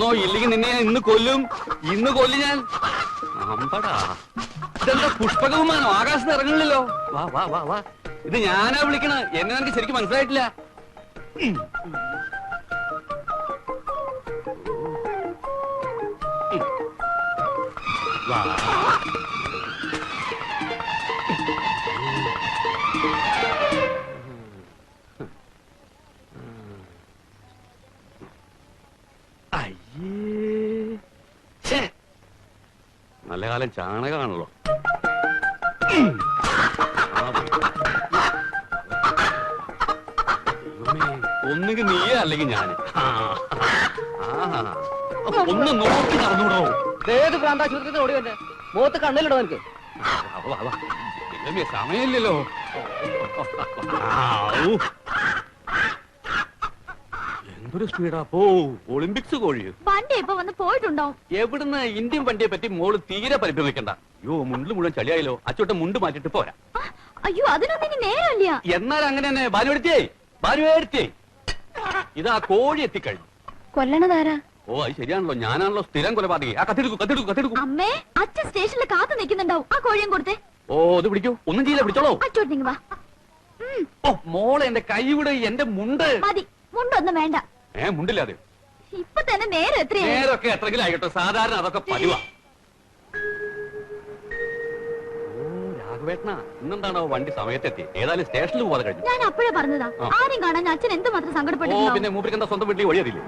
വന്നോ, ഇല്ലെങ്കിൽ നിന്നെ ഞാൻ ഇന്ന് കൊല്ലും. ഇന്ന് കൊല്ലും ഞാൻ. അമ്പടാ, ഇതെന്താ പുഷ്പകവുമാനോ? ആകാശത്ത് ഇറങ്ങണില്ലല്ലോ. വാ വാ വാ വാ, ഇത് ഞാനാ വിളിക്കണ. എന്നെ എനിക്ക് ശരിക്കും മനസ്സിലായിട്ടില്ല. വാ. നല്ല കാലം ചാണകമാണല്ലോ. ഒന്നുകിൽ നീയേ അല്ലെങ്കിൽ ഞാൻ. ഒന്ന് നോക്കി നടന്നുകൂടോ. ഏത് പ്രാന്താശുപത്രി ഓടി വന്നെ മുഖത്ത് കണ്ണിലിടോ എനിക്ക്. സമയമില്ലല്ലോ. എന്തൊരു സ്പീഡാ പോ. ഒളിമ്പിക്സ് കോഴി വണ്ടി ഇപ്പൊ വന്ന് പോയിട്ടുണ്ടോ? എവിടുന്ന്? ഇന്ത്യൻ വണ്ടിയെ പറ്റി മോള് തീരെ പരിഭ്രമിക്കണ്ട. അയ്യോ, മുണ്ടിൽ മുഴുവൻ ചളിയായല്ലോ. അച്ചോട്ടെ മുണ്ട് മാറ്റിട്ട് പോരാ. അയ്യോ, അതിനൊന്നും ഇനി നേരമില്ല. എന്നാൽ അങ്ങനെ തന്നെ. ഭാനുവെടുത്തേ ഇതാ കോഴി എത്തിക്കഴിഞ്ഞു. കൊല്ലണതാരാ? ഓ, അത് ശരിയാണല്ലോ. ഞാനാണല്ലോ സ്ഥിരം കൊലപാതകി. ആ കത്തെടുക്കൂ. അമ്മേ, അച്ഛൻ സ്റ്റേഷനിൽ കാത്തു നിൽക്കുന്നുണ്ടാവും. ആ കോഴിയും കൊടുത്തേ. ഓ, അത് പിടിക്കൂ. ഒന്നും ചെയ്യില്ല, പിടിച്ചോളൂ. അച്ചോട്ട് വാ. ഓ മോളെ, എന്റെ കൈ വിട്. എന്റെ മുണ്ട് മതി. മുണ്ടൊന്നും വേണ്ട. മുണ്ടില്ലാതെ ഇപ്പൊ തന്നെ നേരം എത്രയായി? നേരൊക്കെ എത്രങ്കിലും ആയിക്കോട്ടെ. സാധാരണ അതൊക്കെ പതിവാ. ഓ രാഘവേട്ടനാ, ഇന്നെന്താണോ വണ്ടി സമയത്തെത്തി? ഏതായാലും സ്റ്റേഷനിൽ പോകാതെ കഴിഞ്ഞു. ഞാൻ അപ്പോഴേ പറഞ്ഞതാ, ആരും കാണാൻ അച്ഛൻ എന്തുമാത്രം സങ്കടപ്പെട്ടു. ഓ പിന്നെ മൂപ്പർക്ക് എന്താ സ്വന്തം വീട്ടിൽ വഴിയറിയില്ലേ?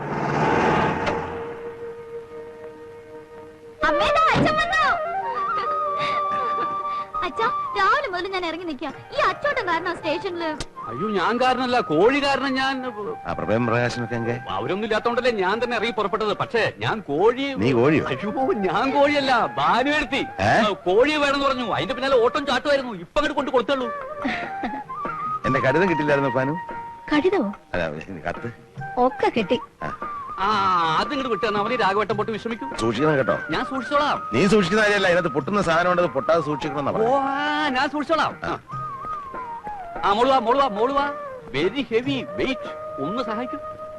അച്ഛാ, രാവിലെ മുതൽ ഞാൻ ഇറങ്ങി നിൽക്കുക. ഈ അച്ചോട്ടം കാരണം സ്റ്റേഷനില്. അയ്യോ, ഞാൻ കാരണല്ല, കോഴി കാരണം. ഞാൻ അവരൊന്നും ഇല്ലാത്തോണ്ടല്ലേ ഞാൻ തന്നെ ഇറങ്ങി പുറപ്പെട്ടത്. പക്ഷേ ഞാൻ കോഴി. അയ്യോ, ഞാൻ കോഴിയല്ല, ഭാനുവെടുത്തി. കോഴി വേണമെന്ന് പറഞ്ഞു. അതിന്റെ പിന്നാലെ ഓട്ടം ചാട്ടുമായിരുന്നു. ഇപ്പൊ അങ്ങോട്ട് കൊണ്ട് കൊടുത്തുള്ളൂ. എന്റെ കടിതം കിട്ടില്ലായിരുന്നു പാനു? കടിതമോ? കത്ത് ഒക്കെ കിട്ടി. അത് ഇങ്ങോട്ട് വിട്ടു തന്നാ മതി. രാഘവട്ടം പൊട്ടി വിശ്രമിക്കൂ. സൂക്ഷിക്കണം കേട്ടോ. ഞാൻ സൂക്ഷിച്ചോളാം. നീ സൂക്ഷിക്കുന്ന കാര്യമല്ല, അതിനകത്ത് പൊട്ടുന്ന സാധനം ഉണ്ടത് പൊട്ടാതെ സൂക്ഷിക്കണം. ഓ, ഞാൻ സൂക്ഷിച്ചോളാം. മോളുവാ. Very heavy weight. ഒന്ന് സഹായിക്കൂ.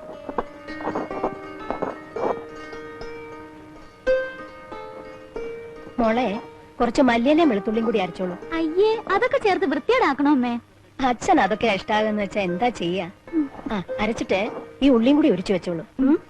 മോളെ, കുറച്ച് മല്ലിയിലേയും വെളുത്തുള്ളിയും കൂടി അരച്ചോളൂ. അയ്യേ, അതൊക്കെ ചേർത്ത് വൃത്തിയേടാക്കണോ അമ്മേ? അച്ഛൻ അതൊക്കെ ഇഷ്ടാകുന്ന വെച്ചാ എന്താ ചെയ്യാ. അരച്ചിട്ട് ഈ ഉള്ളിയും കൂടി ഉരിച്ചു വെച്ചോളൂ.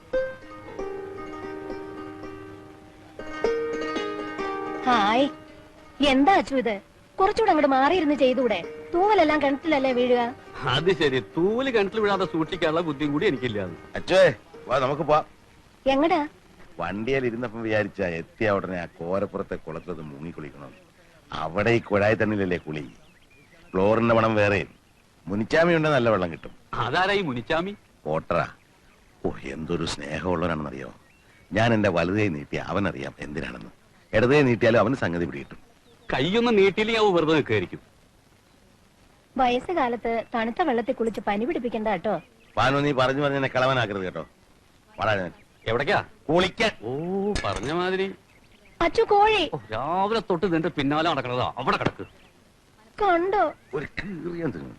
ഹായ്, എന്താ അച്ചു ഇത്? കുറച്ചുകൂടെ അങ്ങോട്ട് മാറിയിരുന്ന് ചെയ്തൂടെ? തൂവലെല്ലാം കിണറ്റിലല്ലേ വീഴുക? അത് ശരി, തൂവല് കിണറ്റിൽ വീഴാതെ സൂക്ഷിക്കാനുള്ള ബുദ്ധിയും കൂടി എനിക്കില്ലാന്ന്. അച്ഛേ വാ, നമുക്ക് പോവാം. എങ്ങടാ? വണ്ടിയിൽ ഇരുന്നപ്പം വിചാരിച്ച എത്തിയ ഉടനെ ആ കോരപ്പുറത്തെ കുളത്തിലത് മുങ്ങിക്കുളിക്കണം. അവിടെ ഈ കുഴായി തണ്ണിലല്ലേ കുളി. ക്ലോറിന്റെ മണം വേറെ. മുനിച്ചാമി ഉണ്ടെ നല്ല വെള്ളം കിട്ടും. അതാരാ ഈ മുനിച്ചാമി? ഓട്ടറാ. ഓ, എന്തൊരു സ്നേഹമുള്ളവനാണെന്നറിയോ. ഞാൻ എന്റെ വലുതേ നീട്ടി അവനറിയാം എന്തിനാണെന്ന്. ഇടതേ നീട്ടിയാലും അവന് സംഗതി പിടികിട്ടും. കൈയൊന്നും നീട്ടിയില്ലെങ്കിൽ അവ വെറുതെ നിൽക്കായിരിക്കും. വയസ്സുകാലത്ത് തണുത്ത വെള്ളത്തിൽ കുളിച്ച് പനി പിടിപ്പിക്കണ്ട കേട്ടോ. പാനു, നീ പറഞ്ഞു എന്നെ കളവനാക്കരുത് കേട്ടോ. വളരെ എവിടേക്കാ? കുളിക്കാൻ. ഓ, പറഞ്ഞ മാതിരി. അച്ചു കോഴി രാവിലെ തൊട്ട് നിന്റെ പിന്നാലെ നടക്കണതാ. അവിടെ കിടക്ക്. കണ്ടോ? ഒരു കീറിയാൻ തിന്നു.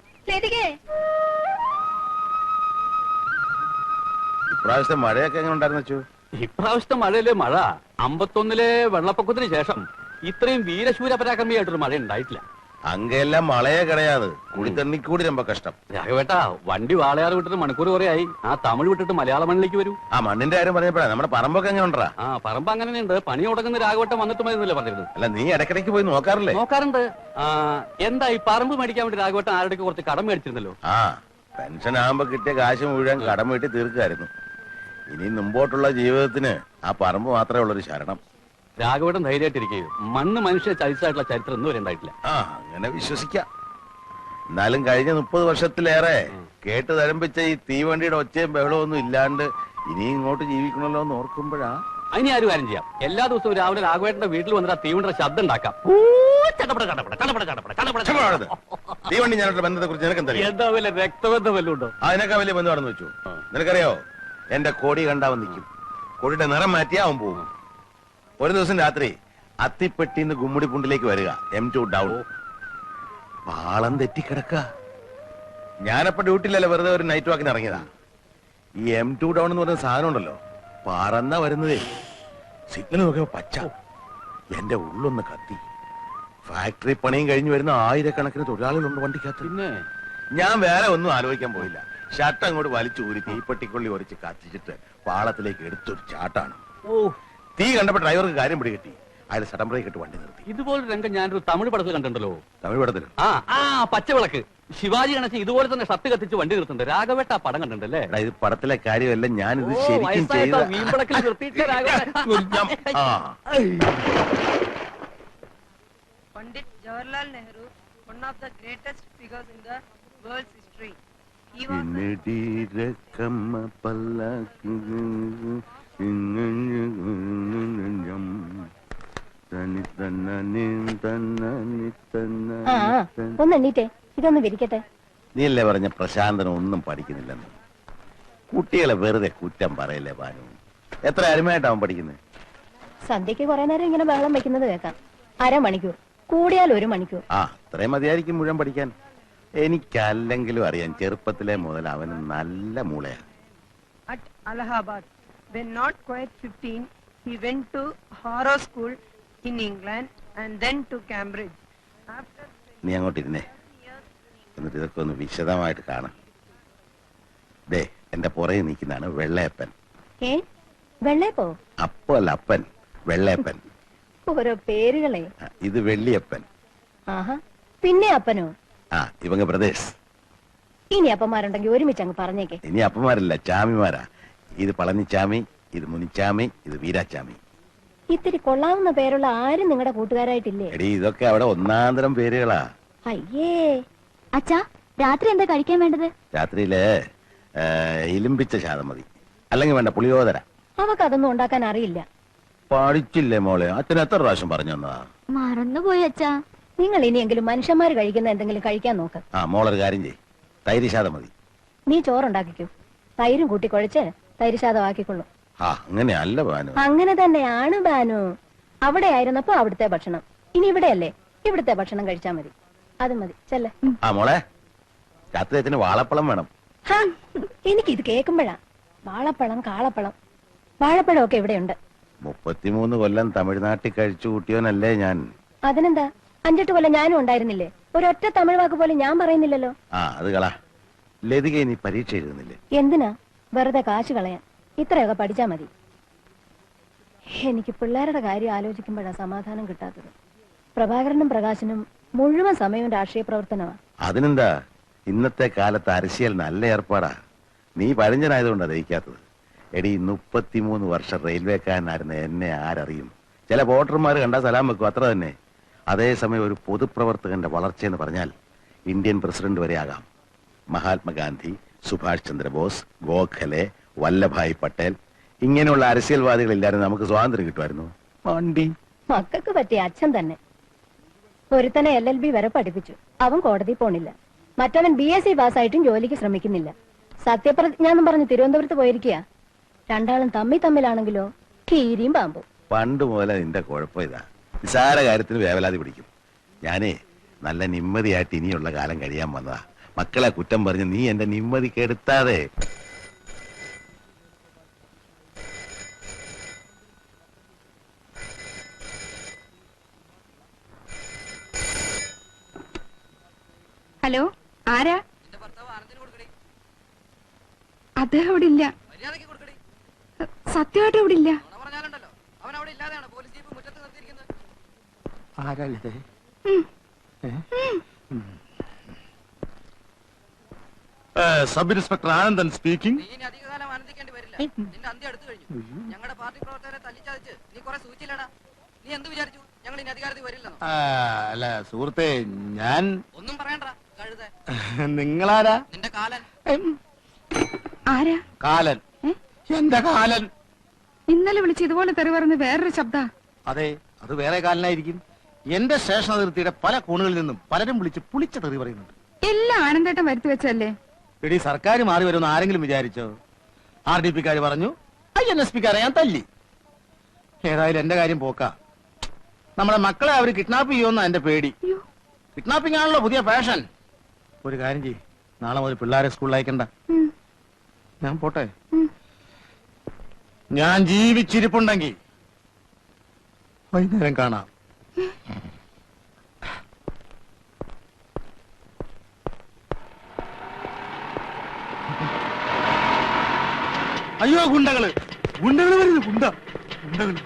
ഇപ്രാവശ്യത്തെ മഴയൊക്കെ എങ്ങനെ ഉണ്ടായിരുന്നു വെച്ചു? ഇപ്രാവശ്യത്തെ മഴയിലെ മഴ 51-ലെ വെള്ളപ്പൊക്കത്തിന് ശേഷം ഇത്രയും വീരശൂര പരാക്രമിയായിട്ടൊരു മഴ ഉണ്ടായിട്ടില്ല. അങ്ങെല്ലാം മഴയെ കിടയാത്. കുളിത്തണ്ണിക്കൂടി രമ്പ കഷ്ടം. രാഘവേട്ടാ, വണ്ടി വാളയാറ് വിട്ടിട്ട് മണിക്കൂർ കുറയായി. ആ തമിഴ് വിട്ടിട്ട് മലയാള മണ്ണിലേക്ക് വരൂ. ആ മണ്ണിന്റെ കാര്യം പറഞ്ഞപ്പോഴാ നമ്മുടെ പറമ്പൊക്കെ എങ്ങനെ ഉണ്ടാ? ആ പറമ്പ് അങ്ങനെയുണ്ട്. പണി തുടങ്ങുന്ന രാഘവട്ടം വന്നിട്ട് മതിയെന്നല്ലേ പറഞ്ഞിരുന്നത്? അല്ല, നീ ഇടയ്ക്കിടയ്ക്ക് പോയി നോക്കാറില്ലേ? നോക്കാറുണ്ട്. എന്താ ഈ പറമ്പ് മേടിക്കാൻ വേണ്ടി രാഘവട്ടം ആരുടെ കുറച്ച് കടം മേടിച്ചിരുന്നല്ലോ? ആ, പെൻഷൻ ആകുമ്പോ കിട്ടിയ കാശ് മുഴുവൻ കടം വീട്ടി തീർക്കായിരുന്നു. ഇനി മുമ്പോട്ടുള്ള ജീവിതത്തിന് ആ പറമ്പ് മാത്രമേ ഉള്ളൊരു ശരണം. രാഘവട്ടം ധൈര്യമായിട്ടിരിക്കുകയും മണ്ണ് മനുഷ്യരെ ചതിച്ചായിട്ടുള്ള ചരിത്രം ഒന്നും ഉണ്ടായിട്ടില്ല. ആ, അങ്ങനെ വിശ്വസിക്കാം. എന്നാലും കഴിഞ്ഞ 30 വർഷത്തിലേറെ കേട്ട് തരംപിച്ച ഈ തീവണ്ടിയുടെ ഒച്ചയും ബഹളവും ഒന്നും ഇല്ലാണ്ട് ഇനി ഇങ്ങോട്ട് ജീവിക്കണല്ലോ എന്ന് ഓർക്കുമ്പോഴാ. അതിന് ആരും കാര്യം ചെയ്യാം. എല്ലാ ദിവസവും രാവിലെ രാഘവേട്ടന്റെ വീട്ടിൽ വന്നിട്ട് ആ തീവണ്ടിയുടെ ശബ്ദം ഉണ്ടാക്കാം. തീവണ്ടി ഞാനോട്ട് ബന്ധത്തെ കുറിച്ച് നിനക്ക് എന്താ വല്ല രക്തബന്ധം വല്ലതും ഉണ്ടോ? അതിനൊക്കെ വലിയ ബന്ധമാണെന്ന് വെച്ചു. നിനക്കറിയോ, എന്റെ കോടി കണ്ടാവൻ നിൽക്കും. കോടിയുടെ നിറം മാറ്റിയാ അവൻ പോകും. ഒരു ദിവസം രാത്രി അത്തിപ്പെട്ടിന്ന് ഗുമ്മുടിപ്പുണ്ടിലേക്ക് വരിക. M2 down. പാളം തെറ്റിക്കിടക്ക. ഞാനപ്പോ ഡ്യൂട്ടിയിലല്ല, വെറുതെ ഒരു നൈറ്റ് വാക്കിന് ഇറങ്ങിയതാ. ഈ M2 ഡൗൺ എന്ന് പറയുന്ന സാധനം ഉണ്ടല്ലോ, പറന്ന വരുന്നതേ. സിഗ്നൽ നോക്കിയപ്പോ പച്ച. എന്റെ ഉള്ളൊന്ന് കത്തി. ഫാക്ടറി പണിയും കഴിഞ്ഞു വരുന്ന ആയിരക്കണക്കിന് തൊഴിലാളികളുണ്ട് വണ്ടിക്കകത്ത്. പിന്നെ ഞാൻ വേറെ ഒന്നും ആലോചിക്കാൻ പോയില്ല. ഷർട്ട് അങ്ങോട്ട് വലിച്ചു ഊരി തീപ്പെട്ടിക്കൊള്ളി ഒരച്ച് കത്തിച്ചിട്ട് പാളത്തിലേക്ക് എടുത്തൊരു ചാട്ടാണ്. ഓ, തീ കണ്ടപ്പോ ഡ്രൈവർക്ക് കാര്യം പിടികിട്ടി. അയാൾ സഡൻ ബ്രേക്ക് ഇട്ട് വണ്ടി നിർത്തി. ഇതുപോലൊരു രംഗം ഞാനൊരു തമിഴ് പടത്തിൽ കണ്ടിട്ടുണ്ടല്ലോ. തമിഴ് പടത്തിലും ആ പച്ചവിളക്ക്. ശിവാജി ഗണേശൻ ഇതുപോലെ തന്നെ ഷർട്ട് കത്തിച്ച് വണ്ടി നിർത്തുന്നുണ്ട്. രാഘവേട്ട ആ പടം കണ്ടിട്ടുണ്ടല്ലേ? എടാ, ഇത് പടത്തിലെ കാര്യമല്ല, ഞാനിത് ശരിക്കും ചെയ്ത. വീമ്പളക്കിൽ നിർത്തിയിട്ട് രാഘവേട്ട. ആ. Pandit Jawaharlal Nehru, one of the greatest figures in the world's history. He was ആ ഒന്ന് എണ്ണീറ്റേ, ഇതൊന്ന് വിരിക്കട്ടെ. നീയല്ലേ പറഞ്ഞ പ്രശാന്തൻ ഒന്നും പഠിക്കുന്നില്ലെന്ന്. കുട്ടികളെ വെറുതെ കുറ്റം പറയല്ലേ ഭാനു. എത്ര അരുമയായിട്ടാവും പഠിക്കുന്നത്? സന്ധ്യക്ക് കുറെ നേരം ഇങ്ങനെ ബഹളം വെക്കുന്നത് കേൾക്കാം. അരമണിക്കൂർ, കൂടിയാൽ 1 മണിക്കൂർ. ആ, അത്രയും മതിയായിരിക്കും മുഴുവൻ പഠിക്കാൻ. എനിക്കല്ലെങ്കിലും അറിയാം, ചെറുപ്പത്തിലെ മുതൽ അവന് നല്ല മൂളയാ. at Allahabad. When not quite 15, he went to Harrow School in England and then to Cambridge. After നീ അങ്ങോട്ടിരുന്നേ, എന്നിട്ട് ഇതൊക്കെ ഒന്ന് വിശദമായിട്ട് കാണാം. ദേ, എന്റെ പുറകെ നിൽക്കുന്നതാണ് വെള്ളയപ്പൻ. ഏ വെള്ളേപ്പോ? അപ്പോ അല്ല, അപ്പൻ. വെള്ളയപ്പൻ. ഓരോ പേരുകളെ. ഇത് വെള്ളിയപ്പൻ. ആഹാ, പിന്നെ അപ്പനോ? ആ, ഇവങ്ങ പ്രദേശ്. ഇനി അപ്പന്മാരുണ്ടെങ്കിൽ ഒരുമിച്ച് അങ്ങ് പറഞ്ഞേക്കെ. ഇനി അപ്പന്മാരല്ല, ചാമിമാരാ. ഇത് പളനിച്ചാമി, ഇത് മുനിച്ചാമി, ഇത് വീരാച്ചാമി. ഇത്തിരി കൊള്ളാവുന്ന പേരുള്ള ആരും നിങ്ങളുടെ കൂട്ടുകാരായിട്ടില്ലേ? എടീ, ഇതൊക്കെ അവിടെ ഒന്നാന്തരം പേരുകളാ. അയ്യേ. അച്ഛാ, രാത്രി എന്താ കഴിക്കാൻ വേണ്ടത്? രാത്രിയില് ഇലിമ്പിച്ച ശാതം മതി, അല്ലെങ്കിൽ വേണ്ട പുളിയോദര. അവക്കതൊന്നും ഉണ്ടാക്കാൻ അറിയില്ല. പഠിച്ചില്ലേ മോളെ? അച്ഛൻ എത്ര പ്രാവശ്യം പറഞ്ഞു തന്നതാ? മറന്നുപോയി അച്ഛാ. നിങ്ങൾ ഇനിയെങ്കിലും മനുഷ്യന്മാര് കഴിക്കുന്ന എന്തെങ്കിലും കഴിക്കാൻ നോക്ക്. ആ, മോളൊരു കാര്യം ചെയ്, തൈര് ശാതം മതി. നീ ചോറുണ്ടാക്കിക്കൂ, തൈരും കൂട്ടി കുഴച്ച് തൈര് ശാതമാക്കിക്കൊള്ളു. ആ, അങ്ങനെയല്ല ഭാനു. അങ്ങനെ തന്നെയാണ് ബാനു. അവിടെ ആയിരുന്നപ്പോ അവിടുത്തെ ഭക്ഷണം, ഇനി ഇവിടെയല്ലേ, ഇവിടുത്തെ ഭക്ഷണം കഴിച്ചാ മതി. അത് മതി, ചെല്ലേ. ആ മോളെ, രാത്രി അച്ഛന് വാഴപ്പഴം വേണം. എനിക്കിത് കേൾക്കുമ്പോഴാ വാഴപ്പഴം, കാളപ്പഴം, വാഴപ്പഴം ഒക്കെ ഇവിടെയുണ്ട്. 33 കൊല്ലം തമിഴ്നാട്ടിൽ കഴിച്ചു കൂട്ടിയോനല്ലേ ഞാൻ. അതിനെന്താ, 5-8 കൊല്ലം ഞാനും ഉണ്ടായിരുന്നില്ലേ? ഒരൊറ്റ തമിഴ് വാക്ക് പോലും ഞാൻ പറയുന്നില്ലല്ലോ. ആ, അത് കളാ. ലതിക നീ പരീക്ഷ എഴുതുന്നില്ലേ? എന്തിനാ വെറുതെ കാശ് കളയാൻ? ഇത്രയൊക്കെ പഠിച്ചാ മതി. എനിക്ക് പിള്ളേരുടെ കാര്യം ആലോചിക്കുമ്പോഴാ സമാധാനം കിട്ടാത്തത്. പ്രഭാകരനും പ്രകാശനും മുഴുവൻ സമയവും രാഷ്ട്രീയ പ്രവർത്തനമാണ്. അതിനെന്താ, ഇന്നത്തെ കാലത്ത് അരശിയൽ നല്ല ഏർപ്പാടാ. നീ പഴഞ്ചനായതുകൊണ്ടാ ദഹിക്കാത്തത്. എടി, 33 വർഷം റെയിൽവേക്കാരനായിരുന്ന എന്നെ ആരറിയും? ചില വോട്ടർമാർ കണ്ടാൽ സലാം വെക്കും, അത്ര തന്നെ. അതേസമയം ഒരു പൊതുപ്രവർത്തകന്റെ വളർച്ചയെന്ന് പറഞ്ഞാൽ ഇന്ത്യൻ പ്രസിഡന്റ് വരെ ആകാം. മഹാത്മാഗാന്ധി, സുഭാഷ് ചന്ദ്രബോസ്, ഗോഖലെ, വല്ലഭായ് പട്ടേൽ, ഇങ്ങനെയുള്ള അരസ്യൽവാദികളില്ലായിരുന്നു നമുക്ക് സ്വാതന്ത്ര്യം കിട്ടുമായിരുന്നു. വണ്ടി മക്കൾക്ക് പറ്റിയ അച്ഛൻ തന്നെ. ഒരുത്തനെ LLB വരെ പഠിപ്പിച്ചു, അവൻ കോടതി പോണില്ല. മറ്റവൻ BSc പാസ്സായിട്ടും ജോലിക്ക് ശ്രമിക്കുന്നില്ല. സത്യപ്രതിജ്ഞ എന്നും പറഞ്ഞ് തിരുവനന്തപുരത്ത് പോയിരിക്കുക. രണ്ടാളും തമ്മിലാണെങ്കിലോ കീരിയും പാമ്പും. പണ്ട് മുതലേ നിന്റെ കുഴപ്പം ഇതാ, നിസാര കാര്യത്തിന് വേവലാതി പിടിക്കും. ഞാനേ നല്ല നിമ്മതിയായിട്ട് ഇനിയുള്ള കാലം കഴിയാൻ വന്നതാ. മക്കളെ കുറ്റം പറഞ്ഞ് നീ എന്റെ നിമ്മതി കെടുത്താതെ. ഹലോ, ആരാ? അദ്ദേഹം ഇവിടെ ഇല്ല. സത്യമായിട്ട് ഇവിടെ ഇല്ല. Sub inspector Anandan speaking. നീ ഇനി അധികകാലം ആനന്ദിക്കേണ്ടി വരില്ല. നിന്റെ അന്ത്യം അടുത്തു കഴിഞ്ഞു. ഞങ്ങളുടെ പാർട്ടി പ്രവർത്തകരെ തല്ലിച്ചതച്ച് നീ കുറെ സൂചിച്ചില്ലടാ. നീ എന്ത് വിചാരിച്ചു ഞങ്ങൾ ഇനി അധികാരത്തിൽ വരില്ലെന്നോ? അല്ല സുഹൃത്തെ, ഞാൻ ഒന്നും പറയണ്ട കഴുത. നിങ്ങളാരാ? നിന്റെ കാലൻ. ആരാ? കാലൻ. എന്റെ കാലൻ. ഇന്നലെ വിളിച്ച് ഇതുപോലെ തെറി പറഞ്ഞ് വേറൊരു ശബ്ദ. അതെ, അത് വേറെ കാലനായിരിക്കും. എന്റെ സ്റ്റേഷൻ അതിർത്തിയുടെ പല കോണുകളിൽ നിന്നും പലരും വിളിച്ച് പുളിച്ച തെറി പറയുന്നുണ്ട്. എല്ലാം ആനന്ദേട്ടം വരുത്തി വെച്ചല്ലേ? എടി, സർക്കാർ മാറി വരുമെന്ന് ആരെങ്കിലും വിചാരിച്ചോ? RDP-ക്കാര് പറഞ്ഞു, INSP-ക്കാരെ ഞാൻ തല്ലി. ഏതായാലും എന്റെ കാര്യം പോക്കാ. നമ്മുടെ മക്കളെ അവര് കിഡ്നാപ്പ് ചെയ്യുമെന്നാ എന്റെ പേടി. കിഡ്നാപ്പിംഗ് ആണല്ലോ പുതിയ ഫാഷൻ. ഒരു കാര്യം ചെയ്യ്, നാളെ മുതൽ പിള്ളേരെ സ്കൂളിൽ അയക്കണ്ട. ഞാൻ പോട്ടെ. ഞാൻ ജീവിച്ചിരിപ്പുണ്ടെങ്കിൽ വൈകുന്നേരം കാണാം. അയ്യോ ഗുണ്ടകള് ഗുണ്ടകള് വരുന്നു ഗുണ്ടകള്.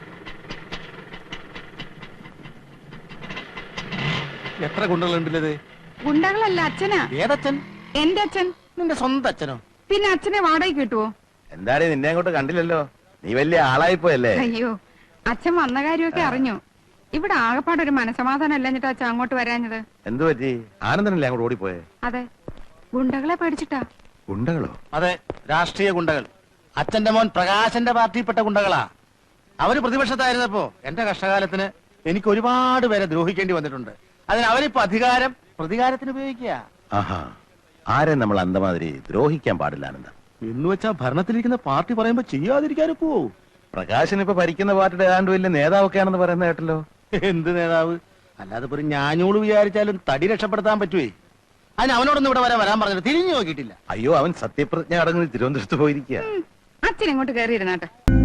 എത്ര ഗുണ്ടകളുണ്ടല്ലേ? ഗുണ്ടകളല്ല, അച്ഛനാ. ഏതച്ഛൻ? എന്റെ അച്ഛൻ. നിന്റെ സ്വന്തം അച്ഛനോ? പിന്നെ അച്ഛനെ വാടകയ്ക്ക് കിട്ടുവോ? എന്താടേ നിന്നെ അങ്ങോട്ട് കണ്ടില്ലല്ലോ, നീ വലിയ ആളായിപ്പോയല്ലേ. അയ്യോ, അച്ഛൻ വന്ന കാര്യമൊക്കെ അറിഞ്ഞു. ഇവിടെ ആകെപ്പാട് ഒരു മനസമാധാനം അല്ലഞ്ഞിട്ട് അച്ഛൻ അങ്ങോട്ട് വരാഞ്ഞത്. എന്തു പറ്റി? ആനന്ദനല്ലേ അങ്ങോട്ട് ഓടിപ്പോയെ? അതെ, ഗുണ്ടകളെ പേടിച്ചിട്ടാ. ഗുണ്ടകളോ? അതെ, രാഷ്ട്രീയ ഗുണ്ടകൾ. അച്ഛന്റെ മോൻ പ്രകാശന്റെ പാർട്ടിയിൽപ്പെട്ട ഗുണ്ടകളാ. അവര് പ്രതിപക്ഷത്തായിരുന്നപ്പോ എന്റെ കഷ്ടകാലത്തിന് എനിക്ക് ഒരുപാട് പേരെ ദ്രോഹിക്കേണ്ടി വന്നിട്ടുണ്ട്. അതിന് അവരിപ്പോ അധികാരം പ്രതികാരത്തിന് ഉപയോഗിക്കുക. ആഹാ, ആരെ നമ്മൾ അന്തമാതിരി ദ്രോഹിക്കാൻ പാടില്ല ആനന്ദ. എന്ന് വെച്ചാ ഭരണത്തിലിരിക്കുന്ന പാർട്ടി പറയുമ്പോ ചെയ്യാതിരിക്കാനൊക്കോ? പ്രകാശൻ ഇപ്പൊ ഭരിക്കുന്ന പാർട്ടിയുടെ ഏതാണ്ട് വലിയ നേതാവൊക്കെ ആണെന്ന് പറയുന്ന കേട്ടല്ലോ. എന്ത് നേതാവ്? അല്ലാതെ ഒരു ഞാഞ്ഞൂള് വിചാരിച്ചാലും തടി രക്ഷപ്പെടുത്താൻ പറ്റുവേ. അതിന് അവനോടൊന്നും ഇവിടെ വരാൻ പറഞ്ഞിട്ട് തിരിഞ്ഞു നോക്കിയിട്ടില്ല. അയ്യോ, അവൻ സത്യപ്രതിജ്ഞ അടങ്ങി തിരുവനന്തപുരത്ത് പോയിരിക്കുക. അച്ഛൻ ഇങ്ങോട്ട് കയറിയിരുന്നാട്ടെ.